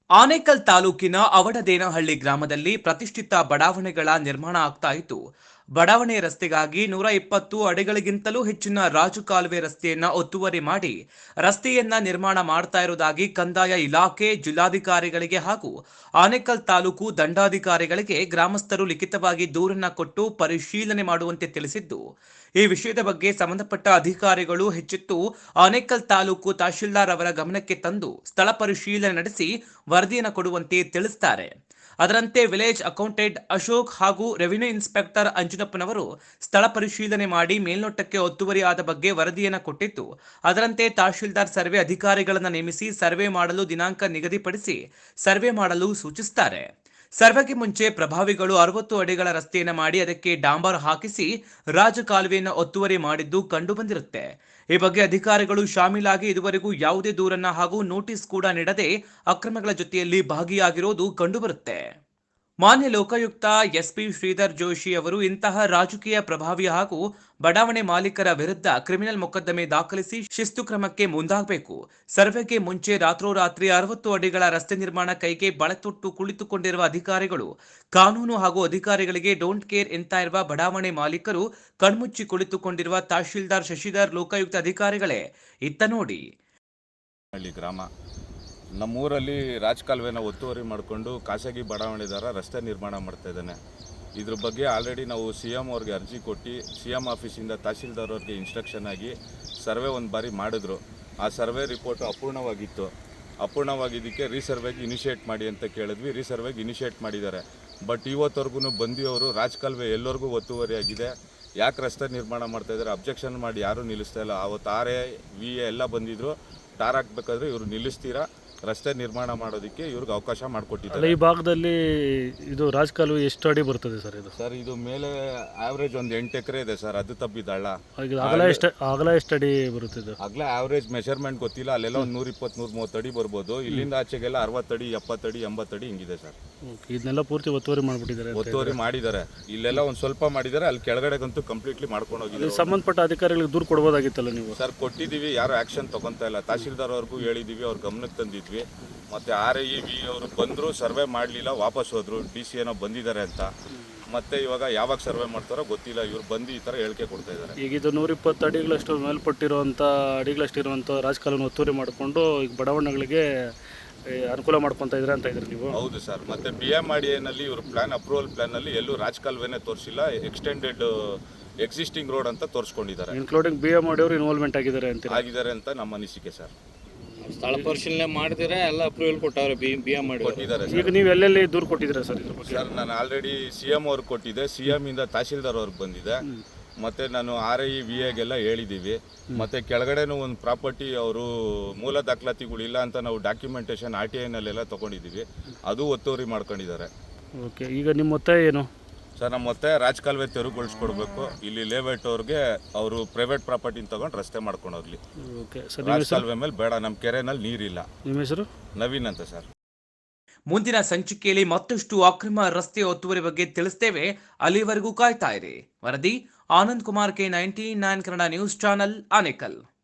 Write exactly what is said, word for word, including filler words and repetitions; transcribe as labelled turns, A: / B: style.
A: ಆನೇಕಲ್ ತಾಲೂಕಿನ ಅವಡದೇನಹಳ್ಳಿ ಗ್ರಾಮದಲ್ಲಿ ಪ್ರತಿಷ್ಠಿತ ಬಡಾವಣೆಗಳ ನಿರ್ಮಾಣ ಆಗ್ತಾ ಇತ್ತು. ಬಡಾವಣೆ ರಸ್ತೆಗಾಗಿ ನೂರ ಇಪ್ಪತ್ತು ಅಡಿಗಳಿಗಿಂತಲೂ ಹೆಚ್ಚಿನ ರಾಜು ಕಾಲುವೆ ರಸ್ತೆಯನ್ನ ಒತ್ತುವರಿ ಮಾಡಿ ರಸ್ತೆಯನ್ನ ನಿರ್ಮಾಣ ಮಾಡ್ತಾ ಇರುವುದಾಗಿ ಕಂದಾಯ ಇಲಾಖೆ, ಜಿಲ್ಲಾಧಿಕಾರಿಗಳಿಗೆ ಹಾಗೂ ಆನೇಕಲ್ ತಾಲೂಕು ದಂಡಾಧಿಕಾರಿಗಳಿಗೆ ಗ್ರಾಮಸ್ಥರು ಲಿಖಿತವಾಗಿ ದೂರನ್ನ ಕೊಟ್ಟು ಪರಿಶೀಲನೆ ಮಾಡುವಂತೆ ತಿಳಿಸಿದ್ದು, ಈ ವಿಷಯದ ಬಗ್ಗೆ ಸಂಬಂಧಪಟ್ಟ ಅಧಿಕಾರಿಗಳು ಹೆಚ್ಚೆತ್ತು ಆನೇಕಲ್ ತಾಲೂಕು ತಹಶೀಲ್ದಾರ್ ಅವರ ಗಮನಕ್ಕೆ ತಂದು ಸ್ಥಳ ಪರಿಶೀಲನೆ ನಡೆಸಿ ವರದಿಯನ್ನು ಕೊಡುವಂತೆ ತಿಳಿಸುತ್ತಾರೆ. ಅದರಂತೆ ವಿಲೇಜ್ ಅಕೌಂಟೆಂಟ್ ಅಶೋಕ್ ಹಾಗೂ ರೆವಿನ್ಯೂ ಇನ್ಸ್ಪೆಕ್ಟರ್ ಅಂಜನಪ್ಪನವರು ಸ್ಥಳ ಪರಿಶೀಲನೆ ಮಾಡಿ ಮೇಲ್ನೋಟಕ್ಕೆ ಒತ್ತುವರಿ ಆದ ಬಗ್ಗೆ ವರದಿಯನ್ನು ಕೊಟ್ಟಿದ್ದು, ಅದರಂತೆ ತಹಶೀಲ್ದಾರ್ ಸರ್ವೆ ಅಧಿಕಾರಿಗಳನ್ನು ನೇಮಿಸಿ ಸರ್ವೆ ಮಾಡಲು ದಿನಾಂಕ ನಿಗದಿಪಡಿಸಿ ಸರ್ವೆ ಮಾಡಲು ಸೂಚಿಸುತ್ತಾರೆ. ಸರ್ವೆಗೆ ಮುಂಚೆ ಪ್ರಭಾವಿಗಳು ಅರವತ್ತು ಅಡಿಗಳ ರಸ್ತೆಯನ್ನು ಮಾಡಿ ಅದಕ್ಕೆ ಡಾಂಬರ್ ಹಾಕಿಸಿ ರಾಜಕಾಲುವೆಯನ್ನು ಒತ್ತುವರಿ ಮಾಡಿದ್ದು ಕಂಡುಬಂದಿರುತ್ತೆ. ಈ ಬಗ್ಗೆ ಅಧಿಕಾರಿಗಳು ಶಾಮೀಲಾಗಿ ಇದುವರೆಗೂ ಯಾವುದೇ ದೂರನ್ನ ಹಾಗೂ ನೋಟಿಸ್ ಕೂಡ ನೀಡದೆ ಅಕ್ರಮಗಳ ಜೊತೆಯಲ್ಲಿ ಭಾಗಿಯಾಗಿರೋದು ಕಂಡುಬರುತ್ತೆ. ಮಾನ್ಯ ಲೋಕಾಯುಕ್ತ ಎಸ್ಪಿ ಶ್ರೀಧರ್ ಜೋಶಿ ಅವರು ಇಂತಹ ರಾಜಕೀಯ ಪ್ರಭಾವಿ ಹಾಗೂ ಬಡಾವಣೆ ಮಾಲೀಕರ ವಿರುದ್ಧ ಕ್ರಿಮಿನಲ್ ಮೊಕದ್ದಮೆ ದಾಖಲಿಸಿ ಶಿಸ್ತು ಕ್ರಮಕ್ಕೆ ಮುಂದಾಗಬೇಕು. ಸರ್ವೆಗೆ ಮುಂಚೆ ರಾತ್ರೋರಾತ್ರಿ ಅರವತ್ತು ಅಡಿಗಳ ರಸ್ತೆ ನಿರ್ಮಾಣ ಕೈಗೆ ಬಳತೊಟ್ಟು ಕುಳಿತುಕೊಂಡಿರುವ ಅಧಿಕಾರಿಗಳು, ಕಾನೂನು ಹಾಗೂ ಅಧಿಕಾರಿಗಳಿಗೆ ಡೋಂಟ್ ಕೇರ್ ಎಂತ ಇರುವ ಬಡಾವಣೆ ಮಾಲೀಕರು, ಕಣ್ಮುಚ್ಚಿ ಕುಳಿತುಕೊಂಡಿರುವ ತಹಶೀಲ್ದಾರ್ ಶಶಿಧರ್ ಲೋಕಾಯುಕ್ತ ಅಧಿಕಾರಿಗಳೇ ಇತ್ತ ನೋಡಿ.
B: ಗ್ರಾಮ ನಮ್ಮೂರಲ್ಲಿ ರಾಜಕಾಲುವೆನ ಒತ್ತುವರಿ ಮಾಡಿಕೊಂಡು ಖಾಸಗಿ ಬಡಾವಣೆದಾರ ರಸ್ತೆ ನಿರ್ಮಾಣ ಮಾಡ್ತಾ ಇದ್ದಾನೆ. ಇದ್ರ ಬಗ್ಗೆ ಆಲ್ರೆಡಿ ನಾವು ಸಿ ಎಮ್ ಅವ್ರಿಗೆ ಅರ್ಜಿ ಕೊಟ್ಟು ಸಿ ಎಮ್ ಆಫೀಸಿಂದ ತಹಶೀಲ್ದಾರ್ ಅವ್ರಿಗೆ ಇನ್ಸ್ಟ್ರಕ್ಷನ್ ಆಗಿ ಸರ್ವೆ ಒಂದು ಬಾರಿ ಮಾಡಿದ್ರು. ಆ ಸರ್ವೆ ರಿಪೋರ್ಟು ಅಪೂರ್ಣವಾಗಿತ್ತು. ಅಪೂರ್ಣವಾಗಿದ್ದಕ್ಕೆ ರೀಸರ್ವೆಗೆ ಇನಿಷಿಯೇಟ್ ಮಾಡಿ ಅಂತ ಕೇಳಿದ್ವಿ. ರೀಸರ್ವೆಗೆ ಇನಿಷಿಯೇಟ್ ಮಾಡಿದ್ದಾರೆ. ಬಟ್ ಇವತ್ತವರೆಗೂ ಬಂದಿಯವರು ರಾಜಕಾಲುವೆ ಎಲ್ಲರಿಗೂ ಒತ್ತುವರಿ ಆಗಿದೆ, ಯಾಕೆ ರಸ್ತೆ ನಿರ್ಮಾಣ ಮಾಡ್ತಾಯಿದ್ದಾರೆ, ಅಬ್ಜೆಕ್ಷನ್ ಮಾಡಿ ಯಾರೂ ನಿಲ್ಲಿಸ್ತಾ ಇಲ್ಲ. ಆವತ್ತು ಆರ್ ಎ ವಿ ಎ ಎಲ್ಲ ಬಂದಿದ್ರು. ಟಾರ್ ಹಾಕ್ಬೇಕಾದ್ರೆ ಇವರು ನಿಲ್ಲಿಸ್ತೀರಾ, ರಸ್ತೆ ನಿರ್ಮಾಣ ಮಾಡೋದಕ್ಕೆ ಇವ್ರಿಗೆ ಅವಕಾಶ ಮಾಡಿಕೊಟ್ಟಿದ್ದಾರೆ.
C: ಈ ಭಾಗದಲ್ಲಿ ಇದು ರಾಜಕಾಲುವೆ ಎಷ್ಟು ಅಡಿ ಬರ್ತದೆ ಸರ್? ಇದು
B: ಸರ್ ಇದು ಮೇಲೆ ಆವ್ರೇಜ್ ಒಂದು ಎಂಟು ಎಕರೆ ಇದೆ ಸರ್. ಅದು ತಪ್ಪಿದ್ದಾಳ
C: ಅಗಲ ಎಷ್ಟು ಅಗಲ ಎಷ್ಟು ಅಡಿ ಬರುತ್ತದೆ?
B: ಅಗಲ ಆವ್ರೇಜ್ ಮೆಷರ್ಮೆಂಟ್ ಗೊತ್ತಿಲ್ಲ. ಅಲ್ಲೆಲ್ಲ ಒಂದು ನೂರ ಇಪ್ಪತ್ತು ನೂರ ಮೂವತ್ತು ಅಡಿ ಬರ್ಬೋದು. ಇಲ್ಲಿಂದ ಆಚೆಗೆಲ್ಲ ಅರವತ್ತಡಿ ಎಪ್ಪತ್ತಡಿ ಎಂಬತ್ತಡಿ ಹಿಂಗಿದೆ ಸರ್.
C: ಇದನ್ನೆಲ್ಲ ಪೂರ್ತಿ ಒತ್ತುವರಿ ಮಾಡಿಬಿಟ್ಟಿದ್ದಾರೆ.
B: ಒತ್ತುವರಿ ಮಾಡಿದ್ದಾರೆ. ಇಲ್ಲೆಲ್ಲ ಒಂದು ಸ್ವಲ್ಪ ಮಾಡಿದ್ದಾರೆ. ಅಲ್ಲಿ ಕೆಳಗಡೆಗಂತೂ ಕಂಪ್ಲೀಟ್ಲಿ ಮಾಡ್ಕೊಂಡು ಹೋಗಿದ್ದಾರೆ.
C: ಸಂಬಂಧಪಟ್ಟ ಅಧಿಕಾರಿಗಳಿಗೆ ದೂರು ಕೊಡ್ಬೋದಾಗಿತ್ತಲ್ಲ ನೀವು?
B: ಸರ್ ಕೊಟ್ಟಿದ್ದೀವಿ, ಯಾರು ಆ್ಯಕ್ಷನ್ ತೊಗೊತಾ ಇಲ್ಲ. ತಹಶೀಲ್ದಾರ್ ಅವ್ರಿಗೂ ಹೇಳಿದ್ದೀವಿ, ಅವ್ರ ಗಮನಕ್ಕೆ ತಂದಿದ್ವಿ. ಮತ್ತು ಆರ್ ಐ ವಿ ಅವರು ಬಂದರು, ಸರ್ವೆ ಮಾಡಲಿಲ್ಲ, ವಾಪಸ್ ಹೋದರು. ಡಿ ಸಿ ಏನೋ ಬಂದಿದ್ದಾರೆ ಅಂತ. ಮತ್ತೆ ಇವಾಗ ಯಾವಾಗ ಸರ್ವೆ ಮಾಡ್ತಾರೋ ಗೊತ್ತಿಲ್ಲ. ಇವ್ರು ಬಂದು ಈ ಥರ ಹೇಳಿಕೆ ಕೊಡ್ತಾ ಇದ್ದಾರೆ.
C: ಈಗ ಇದು ನೂರ ಇಪ್ಪತ್ತು ಅಡಿಗಳಷ್ಟು ಮೇಲ್ಪಟ್ಟಿರುವಂಥ ಅಡಿಗಳಷ್ಟು ಇರುವಂಥ ರಾಜಕಾಲುವೆ ಒತ್ತುವರಿ ಮಾಡಿಕೊಂಡು ಈಗ ಬಡಾವಣೆಗಳಿಗೆ ಅನುಕೂಲ ಮಾಡ್ಕೊತಾ ಇದ್ರೆ ಅಂತ ಇದ್ರೆ ನೀವು?
B: ಹೌದು ಸರ್. ಮತ್ತು ಬಿ ಎಮ್ ಆರ್ ಡಿ ಎನಲ್ಲಿ ಇವರು ಪ್ಲಾನ್ ಅಪ್ರೂವಲ್ ಪ್ಲಾನಲ್ಲಿ ಎಲ್ಲೂ ರಾಜಕಾಲುವೆನೇ ತೋರಿಸಿಲ್ಲ. ಎಕ್ಸ್ಟೆಂಡೆಡ್ ಎಕ್ಸಿಸ್ಟಿಂಗ್ ರೋಡ್ ಅಂತ ತೋರಿಸ್ಕೊಂಡಿದ್ದಾರೆ.
C: Including B M R D ಅವರು ಇನ್ವಾಲ್ವ್ಮೆಂಟ್ ಆಗಿದ್ದಾರೆ ಅಂತ
B: ಆಗಿದ್ದಾರೆ ಅಂತ ನಮ್ಮ ಅನಿಸಿಕೆ ಸರ್.
D: ಸ್ಥಳ ಪರಿಶೀಲನೆ ಮಾಡಿದ್ರೆ ಎಲ್ಲ ಅಪ್ರೂವಲ್ ಕೊಟ್ಟವ್ರೆ, ಬಿ ಬಿ ಎಮ್ ಮಾಡಿ
B: ಕೊಟ್ಟಿದ್ದಾರೆ.
C: ಈಗ ನೀವು ಎಲ್ಲೆಲ್ಲಿ ದೂರು ಕೊಟ್ಟಿದ್ದೀರಾ ಸರ್ ಇದ್ರ ಬಗ್ಗೆ?
B: ಸರ್ ನಾನು ಆಲ್ರೆಡಿ ಸಿ ಎಮ್ ಅವ್ರಿಗೆ ಕೊಟ್ಟಿದ್ದೆ, ಸಿ ಎಮ್ ಇಂದ ತಹಶೀಲ್ದಾರ್ ಅವ್ರಿಗೆ ಬಂದಿದೆ. ಮತ್ತು ನಾನು ಆರ್ ಐ ವಿ ಎಗೆಲ್ಲ ಹೇಳಿದ್ದೀವಿ. ಮತ್ತು ಕೆಳಗಡೆನೂ ಒಂದು ಪ್ರಾಪರ್ಟಿ ಅವರು ಮೂಲ ದಾಖಲಾತಿಗಳಿಲ್ಲ ಅಂತ ನಾವು ಡಾಕ್ಯುಮೆಂಟೇಷನ್ ಆರ್ ಟಿ ಐನಲ್ಲೆಲ್ಲ ತೊಗೊಂಡಿದ್ದೀವಿ. ಅದು ಒತ್ತುವರಿ ಮಾಡ್ಕೊಂಡಿದ್ದಾರೆ.
C: ಓಕೆ, ಈಗ ನಿಮ್ಮ ಒತ್ತಾಯ ಏನು
B: ಸರ್? ನಮ್ಮ ಒತ್ತಾಯ ರಾಜಕಾಲುವೆ ತೆರವುಗೊಳಿಸ್ಕೊಡ್ಬೇಕು. ಇಲ್ಲಿ ಲೇಔಟ್ ಅವ್ರಿಗೆ ಅವರು ಪ್ರೈವೇಟ್ ಪ್ರಾಪರ್ಟಿನ ತೊಗೊಂಡು ರಸ್ತೆ ಮಾಡ್ಕೊಂಡು ಹೋಗ್ಲಿ.
C: Okay sir.
B: ರಾಜಕಾಲುವೆ ಮೇಲೆ ಬೇಡ, ನಮ್ಮ ಕೆರೆನಲ್ಲಿ ನೀರಿಲ್ಲ.
C: ನಿಮ್ಮ ಹೆಸರು?
B: ನವೀನ್ ಅಂತ ಸರ್.
A: ಮುಂದಿನ ಸಂಚಿಕೆಯಲ್ಲಿ ಮತ್ತಷ್ಟು ಅಕ್ರಮ ರಸ್ತೆ ಒತ್ತುವರಿ ಬಗ್ಗೆ ತಿಳಿಸ್ತೇವೆ. ಅಲ್ಲಿವರೆಗೂ ಕಾಯ್ತಾ ಇರಿ. ವರದಿ Anand Kumar K ninety nine Kannada news channel, Anekal.